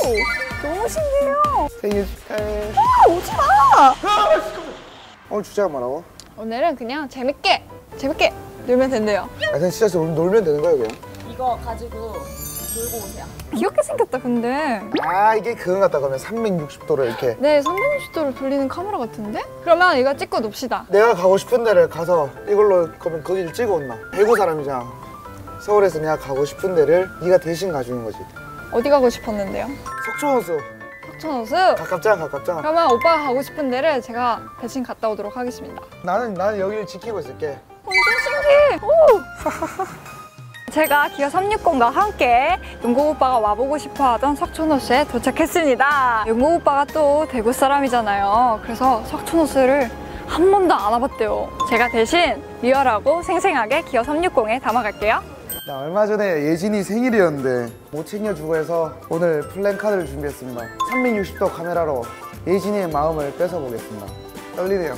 너무 신기해요. 생일 축하해. 오지 마. 오늘 주제가 뭐라고? 오늘은 그냥 재밌게 놀면 된대요. 아 그냥 진짜 놀면 되는 거야 그냥? 이거 가지고 놀고 오세요. 귀엽게 생겼다 근데. 아 이게 그거 같다 그러면 360도로 이렇게. 네, 360도로 돌리는 카메라 같은데? 그러면 이거 찍고 놉시다. 내가 가고 싶은 데를 가서 이걸로 그러면 거기를 찍어 온나. 대구 사람이잖아. 서울에서 내가 가고 싶은 데를 네가 대신 가주는 거지. 어디 가고 싶었는데요? 석촌호수. 석촌호수? 가깝잖아. 그러면 오빠가 가고 싶은 데를 제가 대신 갔다 오도록 하겠습니다. 나는 여기를 지키고 있을게. 완전 신기해! 오! 제가 기아 360과 함께 용국 오빠가 와보고 싶어 하던 석촌호수에 도착했습니다. 용국 오빠가 또 대구 사람이잖아요. 그래서 석촌호수를 한 번도 안 와봤대요. 제가 대신 리얼하고 생생하게 기아 360에 담아갈게요. 나 얼마 전에 예진이 생일이었는데 못 챙겨주고 해서 오늘 플랜카드를 준비했습니다. 360도 카메라로 예진이의 마음을 뺏어보겠습니다. 떨리네요.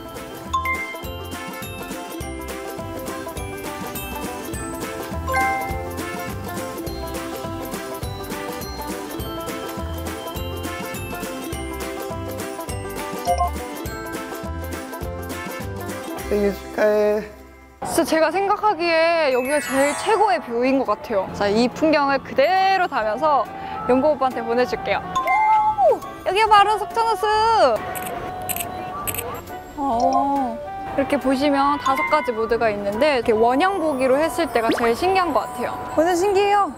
생일 축하해. 진짜 제가 생각하기에 여기가 제일 최고의 뷰인 것 같아요. 자, 이 풍경을 그대로 담아서 용국 오빠한테 보내줄게요. 오! 여기가 바로 석촌호수! 이렇게 보시면 5가지 모드가 있는데 이렇게 원형 보기로 했을 때가 제일 신기한 것 같아요. 완전 신기해요.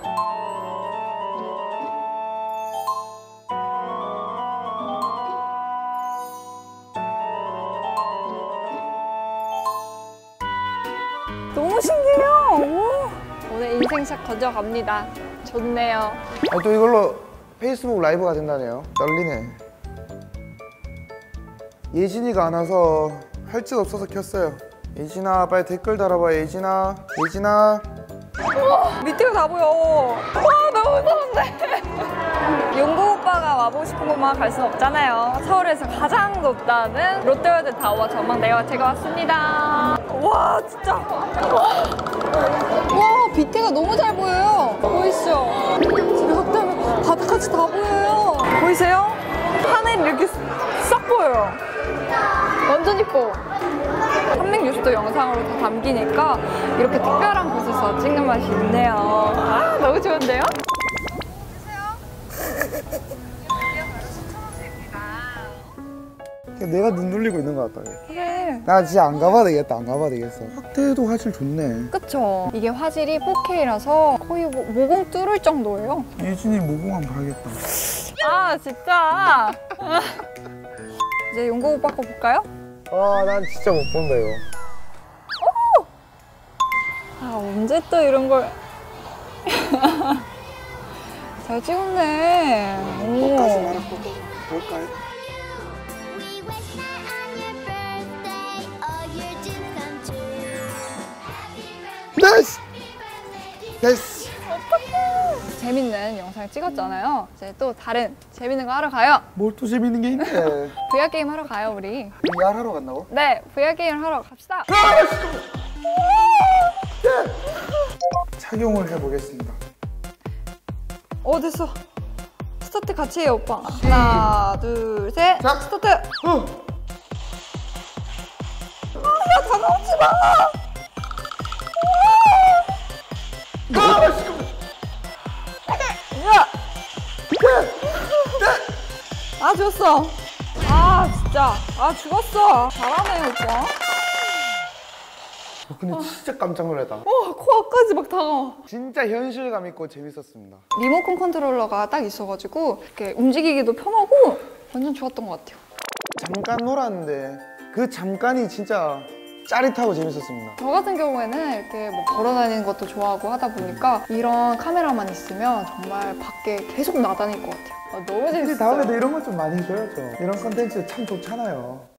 너무 신기해요. 오. 오늘 인생샷 건져갑니다. 좋네요. 아, 또 이걸로 페이스북 라이브가 된다네요. 떨리네. 예진이가 안 와서 할 짓 없어서 켰어요. 예진아 빨리 댓글 달아봐. 예진아. 밑에가 다 보여. 와, 너무 무서운데. 용국 오빠가 와보고 싶은 곳만 갈 순 없잖아요. 서울에서 가장 높다는 롯데월드 타워 전망대에 제가 왔습니다. 와, 진짜. 와, 밑에가 너무 잘 보여요. 보이시죠? 집에 확대하면 바닥까지 다 보여요. 보이세요? 하늘이 이렇게 싹 보여요. 완전 이뻐. 360도 영상으로 다 담기니까 이렇게 특별한 곳에서 찍는 맛이 있네요. 아, 너무 좋은데요? 내가 눈 돌리고 있는 것 같다. 그래. 나 진짜 안 가봐야 되겠다. 확대도 화질 좋네. 그쵸? 이게 화질이 4K라서 거의 모공 뚫을 정도예요. 예진이 모공 한번 봐야겠다. 아, 진짜. 이제 용국 오빠 거 볼까요? 난 진짜 못 본다 이거. 아, 언제 또 이런 걸. 잘 찍었네. 오. 볼까요? 됐어. 재밌는 영상 찍었잖아요. 이제 또 다른 재밌는 거 하러 가요. 뭘 또 재밌는 게 있네. VR 게임 하러 가요, 우리. VR 하러 간다고? 네, VR 게임 하러 갑시다. 착용을 해보겠습니다. 됐어. 스타트 같이 해요, 오빠. 하나, 둘, 셋. 자. 스타트. 야, 다가오지 마. 아, 죽었어. 아, 진짜. 아, 죽었어. 잘하네, 오빠. 근데 진짜 깜짝 놀랐다. 코앞까지 막 다가와. 진짜 현실감 있고 재밌었습니다. 리모컨 컨트롤러가 딱 있어가지고 이렇게 움직이기도 편하고 완전 좋았던 것 같아요. 잠깐 놀았는데 그 잠깐이 진짜 짜릿하고 재밌었습니다. 저 같은 경우에는 이렇게 뭐 걸어다니는 것도 좋아하고 하다 보니까 이런 카메라만 있으면 정말 밖에 계속 나다닐 것 같아요. 너무 재밌어요. 다음에도 이런 거 좀 많이 해줘야죠. 이런 컨텐츠 참 좋잖아요.